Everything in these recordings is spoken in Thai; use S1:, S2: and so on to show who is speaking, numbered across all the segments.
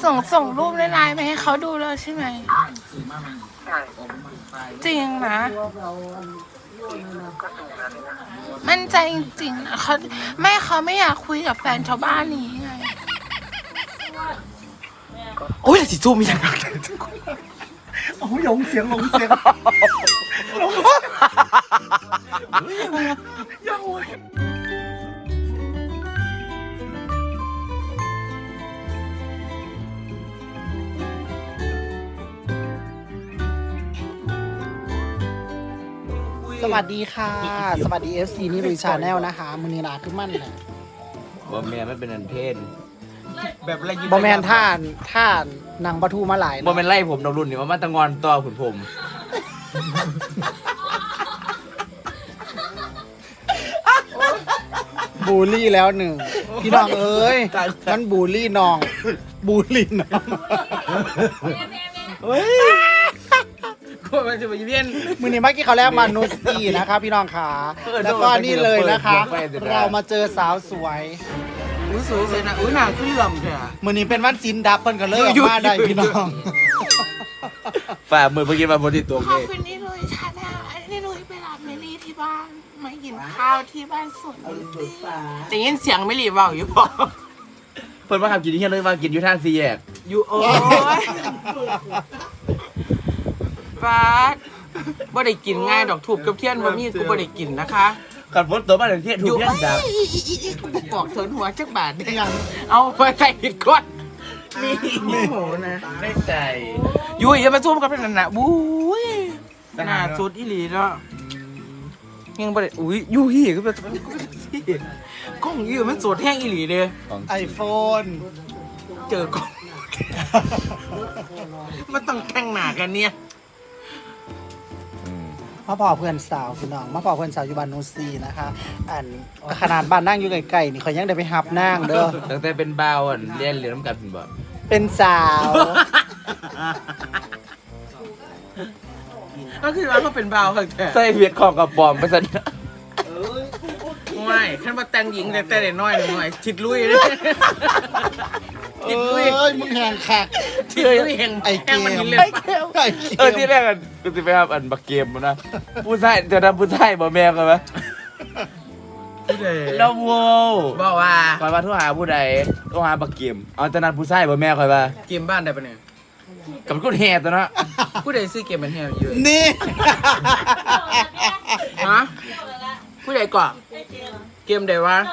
S1: ส่งรูปในไลน์มาให้เขาดูแล้วใช่ไหม
S2: ใช่
S1: จริงนะมั่นใจจริงๆนะเขาไม่อยากคุยกับแฟนชาวบ้านนี้ไง
S3: โอ้ยสิจูมีอย่างไร
S4: โอ้ยลงเสียงลงเสียงสวัสดีค่ะสวัสดี FC นี่ลุยชาแนลนะคะมือนีนาขึ้นมั่นแหละ
S3: บอแมนไม่เป็นอันเพศแบบไร
S4: บอแมนท่านนางปะทูมาหลาย
S3: บอแมนไล่ผมดอกรุ่นนี่ว่ามาตะงอนต่อขุนผม
S4: บูลลี่แล้วหนึ่งพี่น้องเอ้ยมันบูลลี่น้องบูลลี่น้อง
S3: เฮ้ยก็มันจะไปเวียน
S4: มือนี้เมื่อกี้เขาแรกมานูสตี้นะคะพี่น้องขาแล้วก็นี่เลยนะคะ เรามาเจอสาวสวย
S3: อุ้ยสวยเลยนะอุ้ยหนาขึ้นเหลื่อมเลยอะ
S4: มือนี้เป็นวันซินดับเพิ่นกันเลยออกมาได้พี่น้อง
S3: ฝ่ามือเมื่อกี้มาบนติดตัว
S1: ขอบ
S3: เลย
S1: คุณนี่ลุยชาแนลนี่ลุยไปรับเมลี่ที่บ้านมากินข้าวที่บ้านสวนสิ
S3: แต่ยินเสียงไม่รีบเบาอยู่ป่ะเพิ่นมาขับกินที่เฮียเลยมากินอยู่ท่าซีแยกอยู่โอ้ยบาสบ่ได้กินง่ายดอกถูกกับเทียนบ่มีกูบ่ได้กินนะคะขับรถตัวบ้านเทียนถูกเทียนดับกูบอกเถินหัวจักบาทได้ยังเอาไปใส่ผิดก้อนนี่โหนะได้ใจยุ้ยอย่ามาซูมกับนั่นน่ะบุ้ยหน้าสุดอีหลีเนาะยังบ่ได้อุ้ยยุ้ยก็แบบกล้องยืมมันสดแห้งอีหลีเด้
S4: ไอโฟน
S3: เจอกล้องมันต้องแข่งหนากันเนี่ย
S4: มาพอเพื่อนสาวพี่น้องมาพอเพื่อนสาวอยู่บ้านนูซีนะคะอันขนาดบ้านนั่งอยู่ไกลๆนี่เขายังได้ไปหับนั่งเด้อ
S3: ตั้งแต่เป็นบ่าวอ่ะเรียนน้ำกันเป็นบ่
S4: เป็นสาว
S3: ก็คือว่าเขาเป็นบ่าวค่ะใส่เวียดของกับปอมไปซะเนี่ยไม่ขั้นมาแต่งหญิงแต่เด็กน้อยหน่อยทิดลุยเลยทิดลุย
S4: เอ้ยมึงแหงคัก
S3: ทิดลุยแห่ง
S4: ไอ้เกม
S3: มันเล่น
S4: ไอ้
S3: ปะ
S4: เกมไอ้เกม
S3: ที่แรกกันกูจะไปทำอันบักเกมนะผู้ชายจะทำผู้ชายบ่แม่กันไหมแล้วโว้บอกว่าคอยมาโทรหาผู้ใดโทรหาบักเกมเอาแต่นั้นผู้ชายบ่แม่คอยว่าเกมบ้านได้ปะเนี่ยกับคนแห่ตัวนะผู้ใดซื้อเกมเป็นแห่เยอะ
S4: นี่
S3: ฮะผู้ใดก่อนเกมใดวะ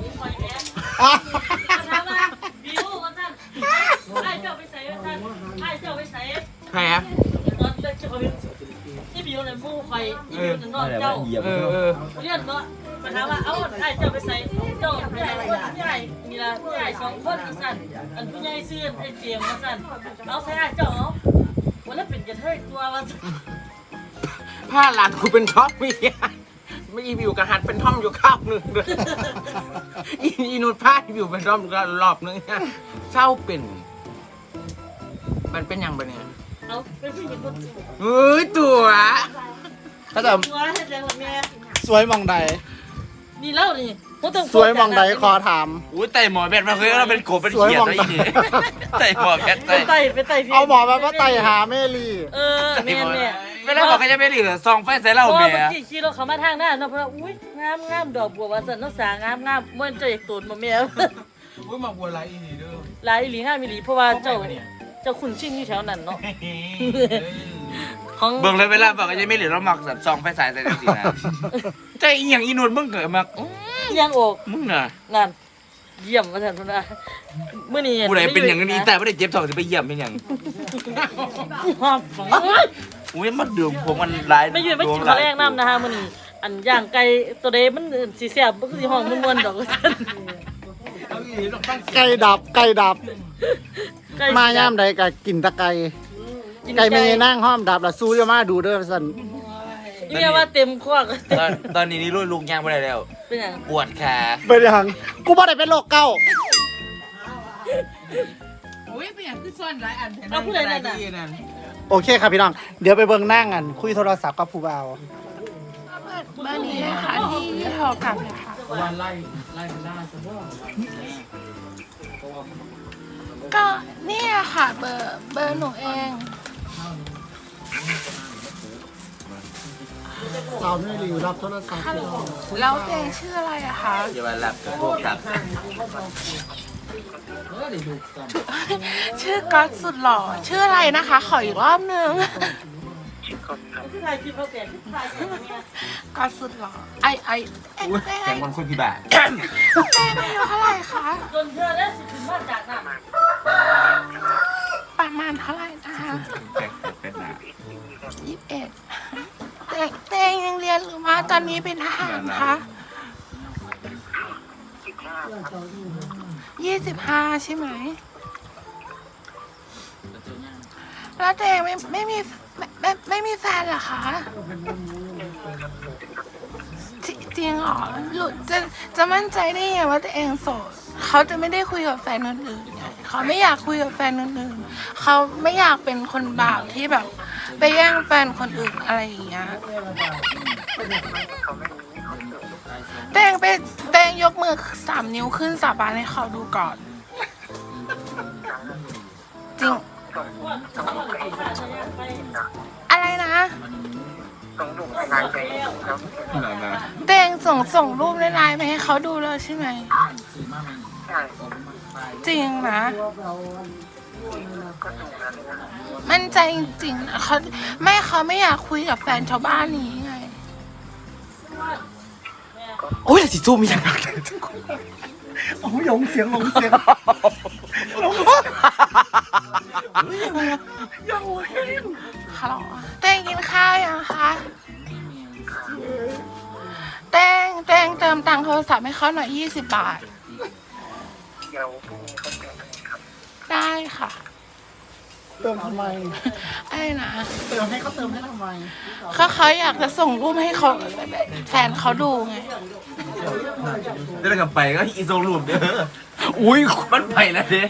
S5: บิวว่าสั่นไอ้เจ้าไปใส่ว่าสั่นไอ้เจ้าไปใส่
S3: แพ้
S5: ตอนเจ้าที่บิวเนี่ยมู่ไฟที่บิวเนี่ยนอนเจ้า เลื่อนเนาะมาถามว่าเอ้าไอ้เจ้าไปใส่เจ้าผู้ใหญ่คนผู้ใหญ่มีละผู้ใหญ่สองคนอีสั่นอันผู้ใหญ่ซื้อไอ้เจียมมาสั่นเอาใส่ไอ้เจ้าเอาวันละเป็นกระเทยตัวว่าสั่น
S3: ผ้าหลานกูเป็นท็อปมีไม่อีวิวกระหัดเป็นท่อมอยู่ข้าวหนึ่งเลยอีนูดผ้าอีวิวเป็นท่อมรอบนึงเศร้าเป็นมันเป็นอย่างไรเนี่ย
S5: เอาเป็นผู้หญิงคนสวย
S3: เฮ้ยตัวถ้าแต่
S5: ตัวให้แรงกว่าแม่
S4: สวยมองใด
S5: นี่เล่านี่
S4: สวยมองใดขอถาม
S3: อุ้ยไต่หมอแบทมาเคยเราเป็นโกเป็นเขียดอะไรอย่างเงี้ยไต่หมอแบท
S5: ไปไต่พี่
S4: เอาหมอมาว่าไต่หาเมลี่
S5: แม่เนี่ย
S3: ไม่ได้บอกก็จะไม่ดีซองไฟใส่เหล้า
S5: พอ
S3: เมี
S5: เมื่อย กี้ขี่รถเขามาทางหน้าเนาะเพราะอุ้ยงามดอกบัวว่าสันน้องสางามเมื่อเจ้าอยากตูนมาแม่
S3: อุ้ยมาบัวไรอีนี่เด้อ
S5: หลายหลีงามอีหลีเพราะว่าเจ้าขุนชิ่งอยู่แถวนั้นเนาะของ
S3: เบิ่งเลยเวลาบอกก็จะไม่เหลือเราหมักสัตว์ซองไฟใส่ใส่สีนะใจอีหยังอีนูดมึงเกิดมา
S5: ยังอก
S3: มึงน่ะ
S5: นั่นเยี่ยมว่าสันพุ่นนะมื้อนี้
S3: ผู้ใดเป็นอย่างนี้แต่ไม่ได้เจ็บท้องจะไปเยี่ยมเป็นอย่าง
S5: หอม
S3: อุ้ยมันดื่มผมมันร้าย
S5: ไม่ยืนไม่กินข้าวแรกน้ำนะคะมื้อนี้อันย่างไก่ตัวเดมันสิแซ่บบ่คือสิห้องม่วนๆดอกว่าซั่น
S4: ไก่ดับไก่ดับ มาย่ามใดก็กินตะไก่ไก่ไม่นั่งห้อมดับละสู้จะมาดูเด้อสัน
S5: เรียกว่าเต็มควัก
S3: ตอนนี้นี่รุ่นลุงย่างไม่ได้แล้ว
S5: เป็นหยัง
S3: ปวดขา
S4: เป็นยังกูบ่ได้เป็นโรคเก้า
S3: อุ้ยเป็นอย่างคือซ่อนหลายอัน
S5: เอาผู้ใดนั่นน่ะ
S4: โอเคครับพี่น้องเดี๋ยวไปเบิ่งนั่งกันคุยโทรศัพท์กับผู้บ่าว
S1: บ้านนี้นะคะที่เท่ากันนะคะก็เนี่ยค่ะเบอร์หนูเอง
S4: สาวไม่รีรับโทรศัพท์
S1: ฮัลโหลแล้วตัวเองชื่ออะไรอะคะ
S3: อย่ามาหลับกับพวกกับ
S1: ชื่อก๊อตสุดหล่อชื่ออะไรนะคะ ขออีกรอบนึง
S5: ที่ไทยคิดเขาเปลี่ยนที่ไทยเนี่ย
S1: ก๊อตสุดหล่อไอเต้
S3: แกงวันคนที่บ้าน
S1: เต้อายุเท่าไหร่คะ
S5: จนเธอได้สิทธิ์มาจากน่ะ
S1: ประมาณเท่าไหร่นะคะ
S3: เป็นหนา
S1: 21เต้ยังเรียนหรือว่าตอนนี้เป็นทหารคะ25ใช่ไหมแล้วเต้ไม่มีแฟนเหรอคะจริงเหรอหลุดจะมั่นใจได้ไงว่าตัวเองโสดเขาจะไม่ได้คุยกับแฟนคนอื่นไงเขาไม่อยากคุยกับแฟนคนอื่นเขาไม่อยากเป็นคนบาปที่แบบไปแย่งแฟนคนอื่นอะไรอย่างเงี้ยแตงยกมือ3 นิ้วขึ้นสาบานให้เขาดูก่อนจริงอะไรนะเตงส่งรูปในไลน์มาให้เขาดูแล้วใช่ไหมจริงนะมั่นใจจริงๆนะเขาไม่อยากคุยกับแฟนชาวบ้านนี้ไง
S3: โอ้ยสิจูมีอย่างไร
S4: โอ้ยหลงเสียงหลงเสียง
S1: ฮัลโหลเตงกินข้าวยังคะเตงเติมตังค์โทรศัพท์ให้เขาหน่อย20 บาทได้ค่ะ
S4: เติมทำไม
S1: ไอ้นะ
S4: เติมให้เขาเติมให้ทำไม
S1: เขาอยากจะส่งรูปให้เขาแฟนเขาดูไง
S3: เดินกลับไปก็อีโซลูปเด้ออุ้ยมันไปแล้วเด้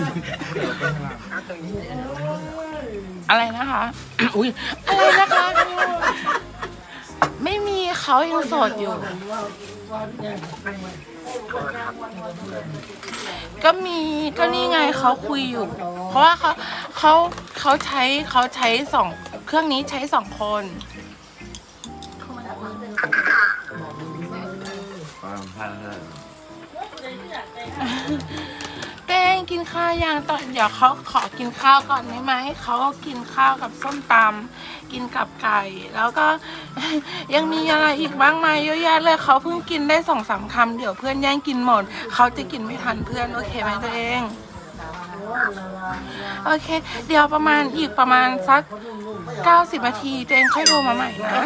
S1: อะไรนะคะ อุ้ยอะไรนะคะ ไม่มีเขายังโสดอยู่ ก็นี่ไงเขาคุยอยู่ เพราะว่าเขาใช้2 เครื่องนี้ใช้ 2 คนเต้งกินข้าวยังตอนเดี๋ยวเขาขอกินข้าวก่อนได้ไหมเขาก็กินข้าวกับส้มตำกินกับไก่ แล้วก็ ยังมีอะไรอีกบ้างไหมเยอะแยะเลยเขาเพิ่งกินได้2-3 คำเดี๋ยวเพื่อนแย่งกินหมดเขาจะกินไม่ทันเพื่อนโอเคไหมตัวเองโอเคเดี๋ยวประมาณสัก90 นาทีตัวเองค่อยโทรมาใหม่นะ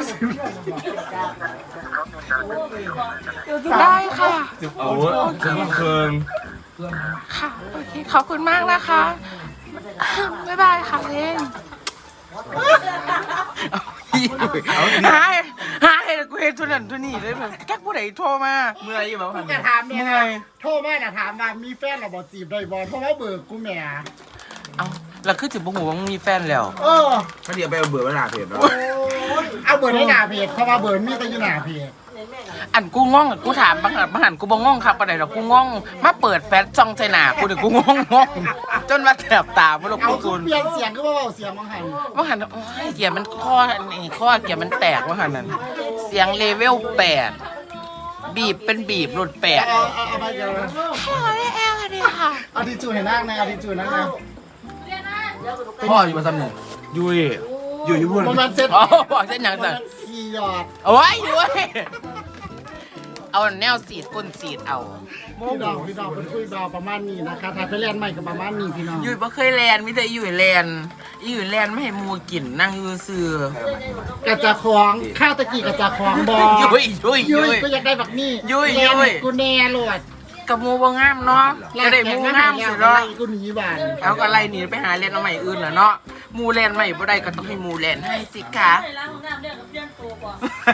S1: ได้ค่ะ
S3: โอ้ยจะมาเคิง
S1: ค่ะโอเคขอบคุณมากนะคะ บ๊ายบายค่ะเองหายกูเห็นทุนนั่นทุนนี่เลยแบบแก๊กผู้ใดโทรมา
S3: เมื่อยี่บอก
S4: จะถามเนี่ยนะโทรมาถามว่ามีแฟนหรือบ่จีบได้บ่เพราะว่าเบิกกูแหม่
S3: เอาแล้วคือถึงบุ้งหัวมีแฟนแล้ว
S2: ก็เดี๋ยวไปเอาเบื่อมาหนาเพจเนาะ
S4: เอาเบิร์ในหน้าเพจเพราะว่าเบิร์มีแต่อยู่หน้าเพจ
S1: อันกูง่องกูถามบางหันกูบ่ง่องครับปานใดหรอกกูง่องมาเปิดแฟชช่องใจหนากูเดี๋ยวกูง่องจนมาแถบตาบ่รู้
S4: เอา
S1: กู
S4: เปลี่ยนเสียงก็ว่าเสียงบางหัน
S1: ว่าหันโอ้ยเกียร์มันข้อเกียร์มันแตกว่าหันนั่นเสียงเลเวล8บีบเป็นบีบหลุด8
S4: เอาไปเดี๋ยว
S1: ฮัลโหลได้แอลค่ะดีค่ะ
S4: เอาทิชชู่ให้นั่งนะเอาทิชชู่นั่งนะ
S3: พ่ออยู่มาซ้ำหนึ่งยุยอยู่ญี่ปุ่น
S4: มันเซ็ต
S1: อ๋อบอกเส้นหยังสั่น
S4: ขี่หยอด
S1: เอาไว้อยู่เว้ยเอาแนวสีดก้นสีดเอา
S4: พี่ดาวเป็นคุยดาวประมาณนี้นะคะถ้าไปเล่นใหม่กับประมาณนี้พี่น้อง
S1: อยู่บ่เคยแลนมิแต่อยู่แลนไม่ให้หมูกินนั่งอยู่ซื่อก
S4: ระจะคลองข้าวตะกี้กระจะคลองบอ
S1: ยุย
S4: ก็อยากได้แบบนี้
S1: ยุย
S4: แลนกูแน่โหลด
S1: กับหมูบ่งามเนาะจะได้หมูงามสิ
S4: เนาะ
S1: เนาะ
S4: กูหนีบ้าน
S1: เอาก็ไล่หนีไปหาเล่นเอาใหม่อื่นน่ะเนาะหมูแลนใหม่บ่ได้ก็ต้องให้หมูแลนให้สิคะ
S5: ใส่ล้างของน้ำเรียกกับเพื่อนตัวกว่า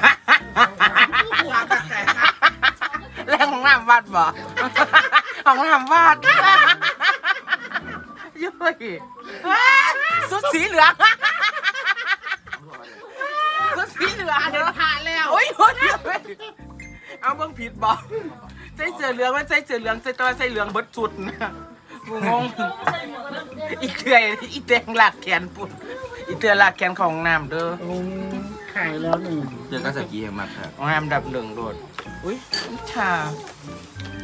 S1: แรงของน้ำวัดบ่ของน้ำวัดยุยสุดสีเหลืองสุดสีเหลืองเดินผ่านแล้วโอ้ยเอาเบิ่งผิดบ่ใจเสือเหลืองมันใจเสือเหลืองใจตัวใจเหลืองเบิดสุดนะกูงง
S5: ใส่หมวกกันน็อก
S3: อีเตืออีแตงหลักแขนปุ่นอีเตือหลักแขนของน้ำเด้อ
S4: ขายแล้วนี่
S2: เจอกันสกีแห่งมากครับ
S3: ของน้ำดับหนึ่งโดดอุ้ยชา